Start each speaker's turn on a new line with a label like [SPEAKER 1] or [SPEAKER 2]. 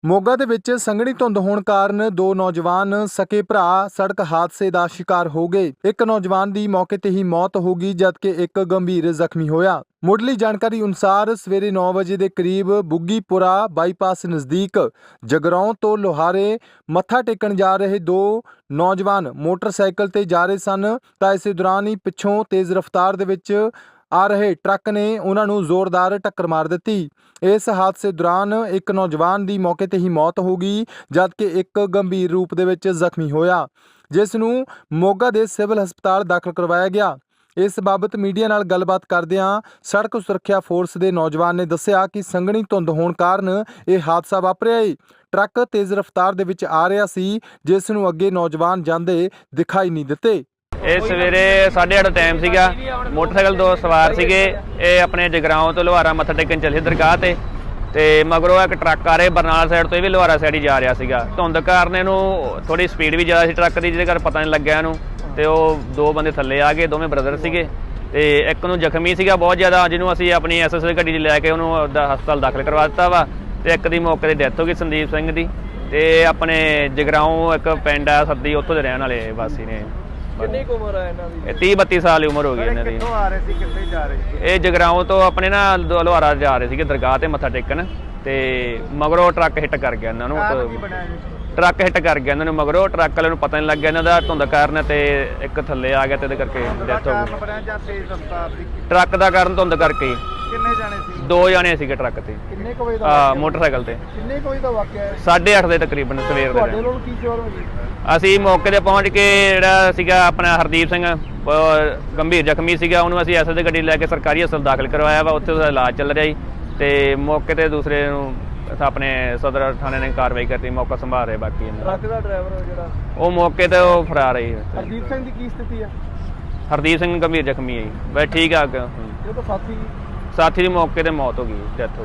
[SPEAKER 1] ਮੋਗਾ ਦੇ ਵਿੱਚ ਸੰਘਣੀ ਧੁੰਦ ਹੋਣ ਕਾਰਨ ਦੋ ਨੌਜਵਾਨ ਸਕੇ ਭਰਾ ਸੜਕ ਹਾਦਸੇ ਦਾ ਸ਼ਿਕਾਰ ਹੋ ਗਏ। ਇੱਕ ਨੌਜਵਾਨ ਦੀ ਮੌਕੇ ਤੇ ਹੀ ਮੌਤ ਹੋ ਗਈ ਜਦਕਿ ਇੱਕ ਗੰਭੀਰ ਜ਼ਖਮੀ ਹੋਇਆ। ਮੁੱਢਲੀ ਜਾਣਕਾਰੀ ਅਨੁਸਾਰ ਸਵੇਰੇ 9 ਵਜੇ ਦੇ ਕਰੀਬ ਬੁੱਗੀਪੁਰਾ ਬਾਈਪਾਸ ਨਜ਼ਦੀਕ ਜਗਰਾਉਂ ਤੋਂ ਲੋਹਾਰੇ ਮੱਥਾ ਟੇਕਣ ਜਾ ਰਹੇ ਦੋ ਨੌਜਵਾਨ ਮੋਟਰਸਾਈਕਲ ਤੇ ਜਾ ਰਹੇ ਸਨ ਤਾਂ ਇਸੇ ਦੌਰਾਨ ਹੀ ਪਿੱਛੋਂ ਤੇਜ਼ ਰਫ਼ਤਾਰ ਦੇ ਵਿੱਚ ਆ ਰਹੇ ਟਰੱਕ ਨੇ ਉਹਨਾਂ ਨੂੰ ਜ਼ੋਰਦਾਰ ਟੱਕਰ ਮਾਰ ਦਿੱਤੀ। ਇਸ ਹਾਦਸੇ ਦੌਰਾਨ ਇੱਕ ਨੌਜਵਾਨ ਦੀ ਮੌਕੇ ਤੇ ਹੀ ਮੌਤ ਹੋ ਗਈ ਜਦਕਿ ਇੱਕ ਗੰਭੀਰ ਰੂਪ ਦੇ ਵਿੱਚ ਜ਼ਖਮੀ ਹੋਇਆ, ਜਿਸ ਨੂੰ ਮੋਗਾ ਦੇ ਸਿਵਲ ਹਸਪਤਾਲ ਦਾਖਲ ਕਰਵਾਇਆ ਗਿਆ। ਇਸ ਬਾਬਤ ਮੀਡੀਆ ਨਾਲ ਗੱਲਬਾਤ ਕਰਦਿਆਂ ਸੜਕ ਸੁਰੱਖਿਆ ਫੋਰਸ ਦੇ ਨੌਜਵਾਨ ਨੇ ਦੱਸਿਆ ਕਿ ਸੰਘਣੀ ਧੁੰਦ ਹੋਣ ਕਾਰਨ ਇਹ ਹਾਦਸਾ ਵਾਪਰਿਆ ਹੈ। ਟਰੱਕ ਤੇਜ਼ ਰਫ਼ਤਾਰ ਦੇ ਵਿੱਚ ਆ ਰਿਹਾ ਸੀ, ਜਿਸ ਨੂੰ ਅੱਗੇ ਨੌਜਵਾਨ ਜਾਂਦੇ ਦਿਖਾਈ ਨਹੀਂ ਦਿੱਤੇ।
[SPEAKER 2] ਇਹ ਸਵੇਰੇ 8:30 ਟਾਈਮ ਸੀਗਾ। ਮੋਟਰਸਾਈਕਲ ਦੋ ਸਵਾਰ ਸੀਗੇ। ਇਹ ਆਪਣੇ ਜਗਰਾਉਂ ਤੋਂ ਲੋਹਾਰਾ ਮੱਥਾ ਟੇਕਣ ਚੱਲੇ ਦਰਗਾਹ ਤੇ ਮਗਰੋਂ ਇੱਕ ਟਰੱਕ ਆ ਰਿਹਾ ਬਰਨਾਲਾ ਸਾਈਡ ਤੋਂ, ਇਹ ਵੀ ਲੋਹਾਰਾ ਸਾਈਡ ਹੀ ਜਾ ਰਿਹਾ ਸੀਗਾ। ਧੁੰਦ ਕਾਰਨ ਇਹਨੂੰ ਥੋੜੀ ਸਪੀਡ ਵੀ ਜ਼ਿਆਦਾ ਸੀ ਟਰੱਕ ਦੀ, ਜਿਹਦੇ ਕਰਕੇ ਪਤਾ ਨਹੀਂ ਲੱਗਿਆ ਇਹਨੂੰ। ਤੇ ਉਹ ਦੋ ਬੰਦੇ ਥੱਲੇ ਆ ਗਏ, ਦੋਵੇਂ ਬ੍ਰਦਰ ਸੀਗੇ ਤੇ ਇੱਕ ਨੂੰ ਜ਼ਖਮੀ ਸੀਗਾ ਬਹੁਤ ਜ਼ਿਆਦਾ, ਜਿਹਨੂੰ ਅਸੀਂ ਆਪਣੀ ਐਸਐਸਏ ਗੱਡੀ 'ਚ ਲੈ ਕੇ ਉਹਨੂੰ ਹਸਪਤਾਲ ਦਾਖਲ ਕਰਵਾ ਦਿੱਤਾ ਵਾ। ਤੇ ਇੱਕ ਦੀ ਮੌਕੇ ਤੇ ਡੈਥ ਹੋ ਗਈ, ਸੰਦੀਪ ਸਿੰਘ ਦੀ। ਤੇ ਆਪਣੇ ਜਗਰਾਉਂ ਇੱਕ ਪਿੰਡ ਆ ਸੱਦੀ, ਉੱਥੋਂ ਦੇ ਰਹਿਣ ਵਾਲੇ ਵਾਸੀ ਨੇ।
[SPEAKER 3] ਕਿੰਨੀ ਕੁ ਉਮਰ ਹੈ ਇਹਨਾਂ ਦੀ?
[SPEAKER 2] ਇਹ 30-32 ਸਾਲ ਦੀ ਉਮਰ ਹੋ ਗਈ ਇਹਨਾਂ ਦੀ।
[SPEAKER 3] ਕਿੱਥੋਂ ਆ ਰਹੇ ਸੀ, ਕਿੱਥੇ ਜਾ ਰਹੇ ਸੀ?
[SPEAKER 2] ਇਹ ਜਗਰਾਉਂ ਤੋਂ ਆਪਣੇ ਨਾ ਲੋਹਾਰਾ ਜਾ ਰਹੇ ਸੀਗੇ ਦਰਗਾਹ ਤੇ ਮੱਥਾ ਟੇਕਣ, ਤੇ ਮਗਰੋਂ ਟਰੱਕ ਹਿੱਟ ਕਰ ਗਿਆ ਇਹਨਾਂ ਨੂੰ। ਟਰੱਕ ਹਿੱਟ ਕਰ ਗਿਆ ਇਹਨਾਂ ਨੂੰ, ਮਗਰੋਂ ਟਰੱਕ ਵਾਲੇ ਨੂੰ ਪਤਾ ਨਹੀਂ ਲੱਗਿਆ ਇਹਨਾਂ ਦਾ ਧੁੰਦ ਕਾਰਨ, ਤੇ ਇੱਕ ਥੱਲੇ ਆ ਗਿਆ ਤੇ ਇਹਦੇ ਕਰਕੇ ਡੈਥ ਹੋ ਗਈ। ਟਰੱਕ ਦਾ ਕਾਰਨ ਧੁੰਦ ਕਰਕੇ ਹੀ।
[SPEAKER 3] ਕਿੰਨੇ ਜਾਣੇ ਸੀ?
[SPEAKER 2] ਦੋ ਜਾਣੇ ਸੀਗੇ ਟਰੱਕ ਤੇ।
[SPEAKER 3] ਕਿੰਨੇ ਕੁ ਵਜੇ ਦਾ
[SPEAKER 2] ਮੋਟਰਸਾਈਕਲ ਤੇ?
[SPEAKER 3] ਕਿੰਨੇ ਕੁ ਵਜੇ ਦਾ ਵਾਕਿਆ ਹੈ?
[SPEAKER 2] 8:30 ਦੇ ਤਕਰੀਬਨ ਸਵੇਰ
[SPEAKER 3] ਤੁਹਾਡੇ
[SPEAKER 2] ਦੇ।
[SPEAKER 3] ਵੱਲੋਂ ਕੀ ਸ਼ੋਰ ਹੋਈ?
[SPEAKER 2] ਅਸੀਂ ਮੌਕੇ ਤੇ ਪਹੁੰਚ ਕੇ ਜਿਹੜਾ ਸੀਗਾ ਆਪਣਾ ਹਰਦੀਪ ਸਿੰਘ ਗੰਭੀਰ ਜ਼ਖਮੀ ਸੀਗਾ, ਉਹਨੂੰ ਅਸੀਂ ਐਸਐਸ ਦੀ ਗੱਡੀ ਲੈ ਕੇ ਸਰਕਾਰੀ ਹਸਪਤਾਲ ਦਾਖਲ ਕਰਵਾਇਆ ਵਾ। ਉੱਥੇ ਉਹਦਾ ਇਲਾਜ ਚੱਲ ਰਿਹਾ ਜੀ। ਤੇ ਮੌਕੇ ਤੇ ਦੂਸਰੇ ਨੂੰ ਆਪਣੇ ਸਦਰ ਥਾਣੇ ਨੇ ਕਾਰਵਾਈ ਕਰਤੀ, ਮੌਕਾ ਸੰਭਾਲ ਰਹੇ। ਬਾਕੀ
[SPEAKER 3] ਟਰੱਕ ਦਾ ਡਰਾਈਵਰ ਜਿਹੜਾ
[SPEAKER 2] ਉਹ ਮੌਕੇ ਤੇ ਉਹ ਫਰਾਰ ਹੈ।
[SPEAKER 3] ਹਰਦੀਪ ਸਿੰਘ ਦੀ ਕੀ ਸਥਿਤੀ ਹੈ?
[SPEAKER 2] ਹਰਦੀਪ ਸਿੰਘ ਗੰਭੀਰ ਜ਼ਖਮੀ ਹੈ ਜੀ, ਬਸ ਠੀਕ ਆ।
[SPEAKER 3] ਇਹ ਤਾਂ ਸਾਥੀ
[SPEAKER 2] ਸਾਥੀ ਦੀ ਮੌਕੇ ਤੇ ਮੌਤ ਹੋ ਗਈ, ਡੈਥ ਹੋ ਗਈ।